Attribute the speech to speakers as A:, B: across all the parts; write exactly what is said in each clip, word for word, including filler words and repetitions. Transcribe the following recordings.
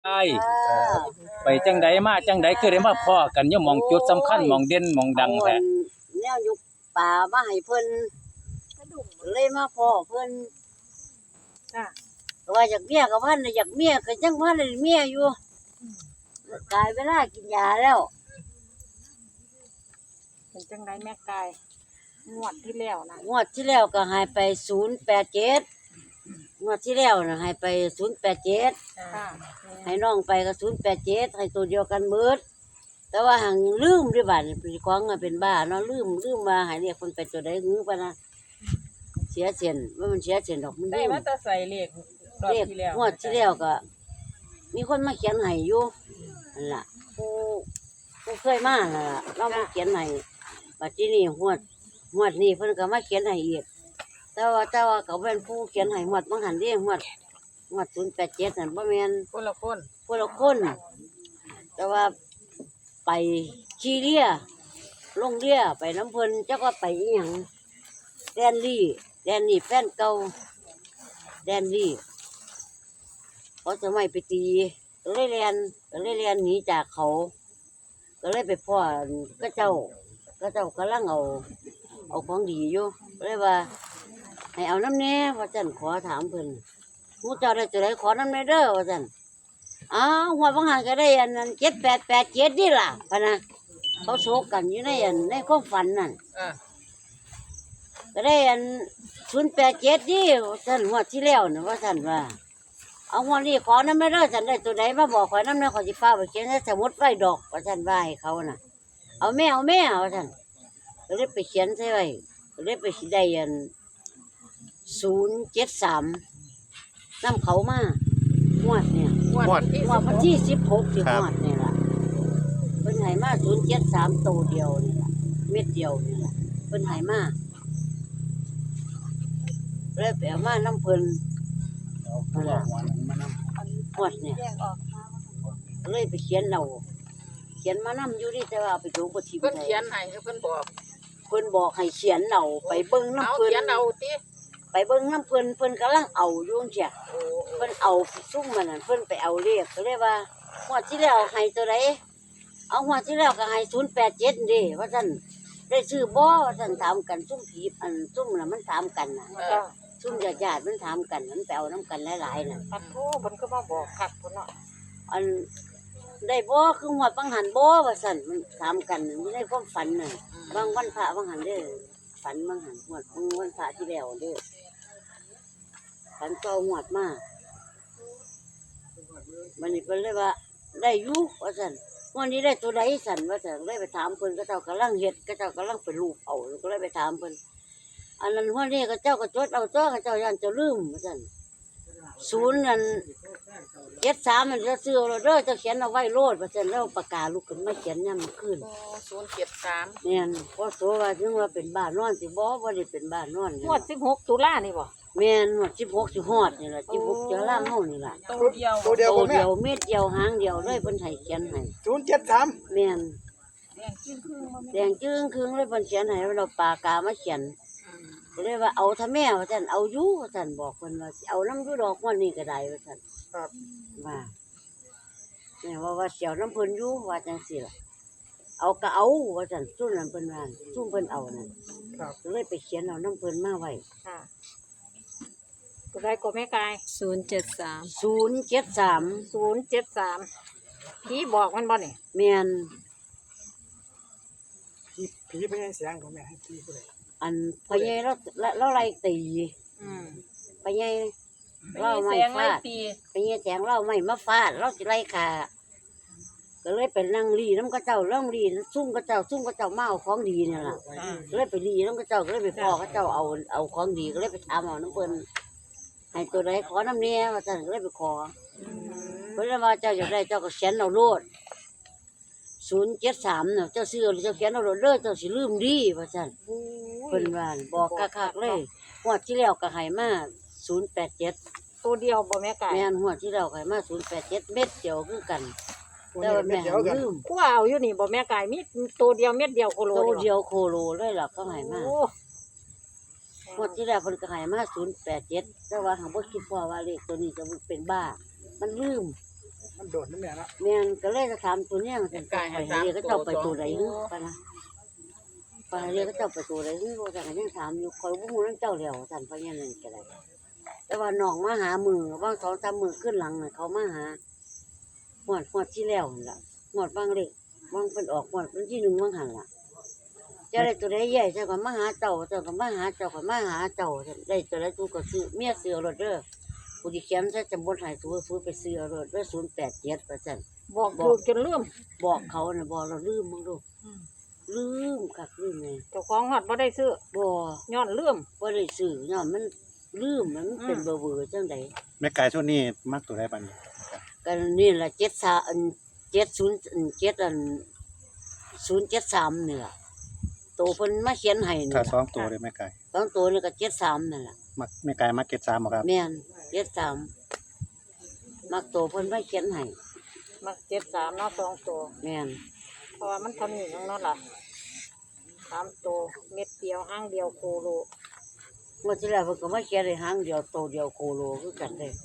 A: ไอ้ไปจังใดมาจังใดคือได้มาพ้อกันอยู่หม้องจุดสำคัญหม้องเด่นหม้องดังแท้
B: แนวอยู่ป่ามาให้เพิ่นเลยมาพ้อเพิ่นจ้ะว่าอยากเมียก็พันอยากเมียก็ยังพันเมียอยู่กายเวลากินยาแล้ว
C: เป็นจังไดแม่กายงวดที่แล้วนะ
B: งวดที่แล้วก็หายไปศูนย์แปดเจ็ดงวดที่แล้วน่ะหายไปศูนย์แปดเจ็ด
C: ค่ะ
B: ให้น้องไปก็ศูนย์แปดเจ็ดให้ตัวเดียวกันเบิดแต่ว่าหังลืมด้วยบาดเป็นของเป็นบ้าเนาะลืมลืมมาให้เรียกคนไปตัวใดงื้อปะนะเสียเสียนว่ามันเสียเสียนดอกมัน
C: ได้มาแต่ใส่เลขรอบที่แล้ว
B: งวดที่แล้วก็มีคนมาเขียนให้อยู่นั่นล่ะผู้ผู้เคยมาน่ะเรามาเขียนให้บัดนี้นี่งวดงวดนี้เพิ่นก็มาเขียนให้อีกแต่ว่าแต่ว่าเขาเป็นผู้เขียนให้งวดบางหันเด้งวดงวดศูนย์แปดเจ็ดนั่นบ่แม่น
C: คนละคน
B: คนละคนแต่ว่าไปขี่เรือลงเรือไปน้ำเพิ่นจักว่าไปอีหยังแดนลี่แดนนี่แฟนเก่าแดนลี่เขาจะไม่ไปตีก็เลยเรียนก็เลยเรียนหนีจากเขาก็เลยไปพ่อก็เจ้าก็เจ้ากำลังเอาเอาของดีอยู่ก็เลยว่าให้เอาน้ำแน่ว่าจันขอถามเพิ่นมูเจ้าได้จะได้ขอน้ำแน่เด้อว่าจันอ้าวหัวบางหันก็ได้อันนั้นเจ็ดแปดแปดเจ็ดนี่ล่ะพะนะเขาโศกกันอยู่ในอันในความฝันนั่นก็ได้อันศูนย์แปดเจ็ดนี่ท่านหัวที่แล้วนะว่าท่านว่าเอาหัวนี่ขอน้ำไม่ได้ท่านได้ตัวไหนมาบอกขอน้ำเนี่ยขอจิฟ้าไปเขียนในสมุดไว้ดอกว่าท่านว่าให้เขาน่ะเอาแม่เอาแม่ว่าท่านก็เลยไปเขียนใช่ไหมก็เลยไปได้อันศูนย์เจ็ดสามน้ำเขามาหวดเนี่ย
C: หวด
B: หวดวันที่สิบหกที่หวดเนี่ยล่ะเป็นไหมาศูนย์เจ็ดสามตัวเดียวนี่ล่ะเม็ดเดียวนี่ล่ะเป็นไหมาเลยไปเอามาน้ำเพลินนั่นล่ะหวดเนี่ยเลยไปเขียนเราเขียนมาน้ำอยู่นี่แต่ว่าไปดูบทที่
C: เพิ่นเขียนให้เพิ่นบอก
B: เพิ่นบอกให้เขียนเราไปเบิ้งน้ำเพลิน
C: เขียนเอาติ
B: ไปเบิ้งน้ำเพลินเพิ่นกำลังเอาอยู่เจ้ะเพิ่นเอาซุ่มมันนั่นเพิ่นไปเอาเรียกก็เลยว่าหัวที่แล้วให้ตัวไหนเอาหัวที่แล้วก็ให้ศูนย์แปดเจ็ดเด้ว่าท่านได้ซื้อบ่ว่าท่านถามกันซุ่มผีอันซุ่มน่ะมันถามกันน่ะซุ่มญาติญาติมันถามกันมันไปเอาน้ำกันหลายๆน่ะ
C: ปัดโธ่เพิ่นก็มาบอกคักพุ่นเนาะ
B: อันได้บ่คือหัวบางหันบ่ว่าซั่นมันถามกันมันได้ความฝันน่ะบางวันพระบางหันเด้อฝันบางหันหัวบางวันพระที่แล้วเด้อฝันโตหวดมากมันนี่เพิ่นเลยว่าได้อยู่ว่าซั่นวันนี้ได้ตัวใดสั่นว่าซั่นเลยไปถามเพิ่นก็เจ้ากำลังเฮ็ดก็เจ้ากำลังไปรูปเอาก็เลยไปถามเพิ่นอันนั้นวันนี้ก็เจ้าก็จดเอาเจ้าก็เจ้าย่านเจ้าลืมว่าซั่นศูนย์นั่นเจ็ดสามมันจะซื้อเราเด้อเจ้าเขียนเอาไว้โลดว่าซั่นแล้วปากกาลุกขึ้นมาเขียนยามมื้อคืน
C: ศูนย์เจ็ดสาม
B: แม่นพอโสว่าถึงว่าเป็นบ้านนอนสิบ่บ่ได้เป็นบ้านนอน
C: งวดสิบหกตุลานี่บ่
B: แม่นหมดสิบหกสิฮอดนี่ล่ะสิบหกจะล่างเฮานี่ล่ะ
C: ตัวเดียว
D: ตัวเดียว
B: ตัวเดียวเม็ดเดียวหางเดียวเลยเพิ่นให้เขียนให้
D: ศูนย์เจ็ดสาม
B: แม่นแดงจึ้งครึ่งเลยเพิ่นเขียนให้เราปากกามาเขียนก็เลยว่าเอาถ้าแม่ว่าซั่นเอาอยู่ว่าซั่นบอกเพิ่นว่าสิเอานำอยู่ดอกวันนี้ก็ได้ว่าซั่น
D: ครับ
B: ว่าแม่ว่าว่าเสียวน้ำเพิ่นอยู่ว่าจังซี่ล่ะเอาก็เอาว่าซั่นซุ่มนั้นเพิ่นว่าซุ่มเพิ่นเอานั่น
D: ครับ
B: ก็เลยไปเขียนเอาน้ำเพิ่นมาไว้
C: ค่ะตัวใดก็แม่กาย
E: ศูนย์เจ็ดสาม
B: ศูนย์เจ็ดสาม
C: ศูนย์เจ็ดสามผีบอกมันบ่นี่
B: แม่น
D: ผีผีไปให้เสียงของแม่ให้ผีไปเลย
B: อันพญายเราเราไล่ตี
C: อืม
B: พญายเราไม่ฟาดพญายแสงเราไม่มาฟาดเราสิไล่ขาก็เลยเป็นนั่งรีน้ำกระเจ้าเรื่องรีซุ่มกระเจ้าซุ่มกระเจ้ามาเอาของดีเนี่ยล่ะก็เลยไปรีน้ำกระเจ้าก็เลยไปพ่อกระเจ้าเอาเอาของดีก็เลยไปทำเอาน้ำเปิ้ลให้ตัวใดขอน้ำเนี้ยว่าท่านก็เลยไปขอเพิ่นว่าเจ้าอยากได้เจ้าก็เขียนเอาโลดศูนย์เจ็ดสามเนี่ยเจ้าซื้อเจ้าเขียนเอาโลดเด้อเจ้าสิลืมดีว่าท่านเพิ่นว่าบอกคักๆเลยหัวที่แล้วก็ให้มาศูนย์แปดเจ็ด
C: ตัวเดียวบ่แม่กาย
B: แม่นหัวที่แล้วก็ให้มาศูนย์แปดเจ็ดเม็ดเดียวคือกันแต่ว่าแม่ลืม
C: ผู้เอาอยู่นี่บ่แม่กายมีตัวเดียวเม็ดเดียวโคโล
B: ตัวเดียวโคโลเลยล่ะเขาให้มาหมดที่แล้วเพิ่นก็ให้มาศูนย์แปดเจ็ดแต่ว่าหางบ่คิดพอว่าเลขตัวนี้จะเป็นบ้ามันลืม
D: มันโดดนั่นแม่เนาะ
B: แม่นก็เลยจะถามตัวเนี้ยจังไปหาเรียกก็เจ้าไปตัวใดฮึปะนะไปหาเรียกก็เจ้าไปตัวใดฮึบ่จังก็ยังถามอยู่คอยบ่ฮู้นำเจ้าแล้วท่านพะยานั่นก็ได้แต่ว่าน้องมาหามือบางสองสามมื้อขึ้นหลังน่ะเขามาหาฮอดฮอดที่แล้วนั่นล่ะฮอดบางเล็กบางเพิ่นออกฮอดวันที่หนึ่งบางหันล่ะจะได้ตัวใดใหญ่เจ้าก็มาหาเจ้าเจ้าก็มาหาเจ้าก็มาหาเจ้าได้ตัวใดตัวก็ซื้อเมียซื้อรถเด้อผู้ที่เขียนใส่จำบนให้ซื้อซื้อไปซื้อรถเด้อศูนย์แปดเจ็ดว่าซั่น
C: บอกถูกจนลืม
B: บอกเขาน่ะบอกเราลืมมึงดูลืมคักลืมไง
C: เจ้าของฮอดบ่ได้ซื้อ
B: บ่
C: ย้อนลืม
B: บ่ได้ซื้อย้อนมันลืมมันเป็นเบอร์เบอร์จังได
E: แม่ไก่ช่วงนี้มักตัวได้ปานนี้
B: กันนี่ล่ะเจ็ดสามอันเจ็ดศูนย์อันเจ็ดอันศูนย์เจ็ดสามนี่ล่ะโตเพิ่นมาเขียนให้นี่
E: ถ้าสอ
B: ล่ะ
E: งตัวเลยแม่ไก่
B: สองตัวนี่ก็เจ็ดสามนั่นล่ะ
E: มักแม่ไก่มักเก็ตสามบ่ครับ
B: แม่นเจ็ดสามมักโตเพิ่นมาเขียนให้
C: มักเจ็ดสามเนาะสองตัว
B: แม่น
C: เพราะว่ามันเท่านี้เนาะล่ะสามตัวเม็ดเดียวห้างเดียวโคโล
B: เมื่อที่แล้วเพิ่นก็มาเขียนให้หางเดียวโตเดียวโคโลคือกันเด้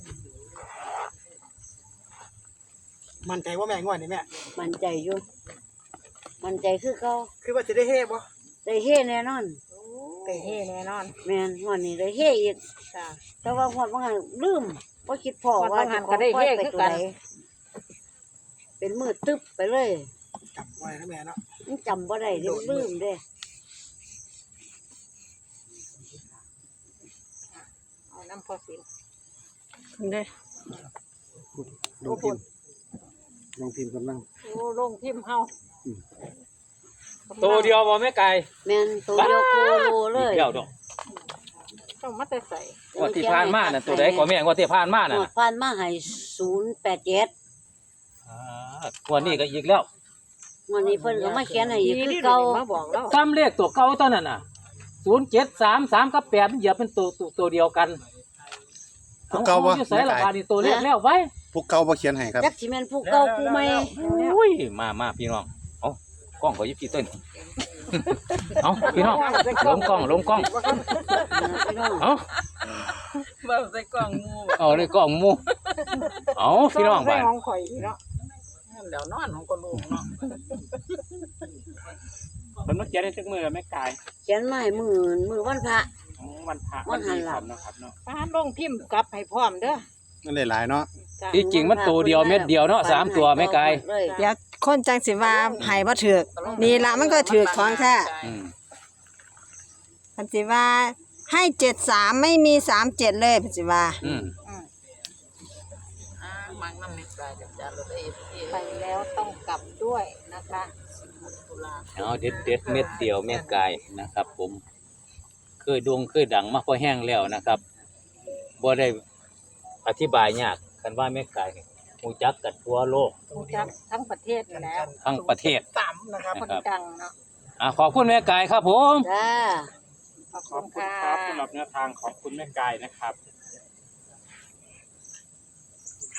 D: มันใจว่าแม่งวดนี่แม่
B: มั่นใจอยู่มั่นใจคือเขา
D: คือว่าจะได้เฮ่บ่
B: ได้เฮ็ดแน่นอน
C: ได้เฮ่แน่นอน
B: แม่นงวดนี้ได้เฮ็ดอีก
C: จ้า
B: แต่ว่าหอดบางหันลืมว่าคิดพอ
C: ฮอด
B: ว่า
C: บางหั
B: จะ
C: น
B: ข
C: ก็
B: อ
C: ได้
B: ปล่อย
C: เฮ้
B: ไป
C: คือ
B: ตัว
C: กัน
B: ใดเป็นมือตึ๊บไปเลย
D: จับไว้นะแม่เนาะ
B: มันจำบ่ได้เดี๋ยวมันลืมเด้
C: เอาน้ำพอสิน
B: เด้
E: ลงพิมพ์ลงพิมพ์กำลัง
C: โอ้ลงพิมพ์เฮา
A: ตัวเดียวบ่แม่ไก่
B: แม่นตัวเดียวโคโลเลย
A: เดียวดอก
C: ต้องมาแต่ใส่
A: งวดที่ผ่านมาน่ะตัวใดก็แม่งวดที่ผ่านมาน่ะ
B: หมดผ่านมาให้ศูนย์แปดเจ็ด
A: อ่างวดนี้ก็อีกแล้ว
B: งวดนี้เพิ่นก็มาเขียนให้อีกคือ
C: นี่
B: เก่า
C: มาบอกแล้ว
A: ซ้ำเลขตัวเก่าตอนนั้นน่ะศูนย์เจ็ดสามสามกับแปดมันเหยียบเป็นตัวตัวตัวเดียวกัน
E: พวกเก่าบ่
A: ออยู่ใส่
E: แม่
A: ละ
E: ไก่
A: บาดนี่ตัวเลขแล้วไว้
E: พวกเก่าบ่เขียนให้ครับ
B: จักสิแม่นผู้เก่าผู้ใหม่
A: อุ้ยมามาพี่น้องเอ้ากล้องก็อยิบกี่ต้นเอ้าพี่น้องลงกล้องลงกล้อง
B: พี่น้อง
A: เอ้า
C: บ่ใส่กล่องงู
A: เอาเลยกล้องหมูเอ้าพี่น้อง
C: ใส่
A: บ้าน
C: ของข่อยอีกเนาะแล้วนอนของก็ลูกเนาะ
F: มันมาเขียนในทึกมือแม่กาย
B: เขียนมาให้มือมือวันพระ
F: ของวันพระ
B: วันหันหลั
F: ค
B: ง
F: รับเนาะครับเนาะ
C: ป้าลงพิมพ์กลับให้พร้อมเด้อ
E: มันได้หลายเนาะ
C: จ้า
A: ที่จริงมันตัวเดียวเม็ดเดียวเนาะสามตัวแม่ไก่
B: เลย
G: เดี๋ยวคนจังสิว่าให้บ่ถูกนี่ละมันก็ถูกของแท้
A: อืม
G: คันสิว่าให้เจ็ดสามไม่มีสามเจ็ดเลยเพิ่นสิว่า
A: อืม
C: ไปแล้วต้องกลับด้วยนะคะ
A: เอาเด็ดเด็ดเม็ดเดียวแม่ไก่นะครับ ผมเคยดวงเคยดังมาพอแห้งแล้วนะครับบ่ได้อธิบายยากคันว่าแม่ไก่รู้จักกันทั่วโลก
C: รู้จักทั้งประเทศอยู่แล้ว
A: ทั้งประเทศ
D: สามนะครับ
C: คนดังเนาะ
A: อ่ะขอบคุณแม่ไก่ครับผม
B: จ้า
C: ขอบ
F: ข
C: คุ
F: อบ
C: ณ
F: คุณ
C: ค่ะ
F: ครับสำหรับแนวทางของคุณแม่กายนะครับ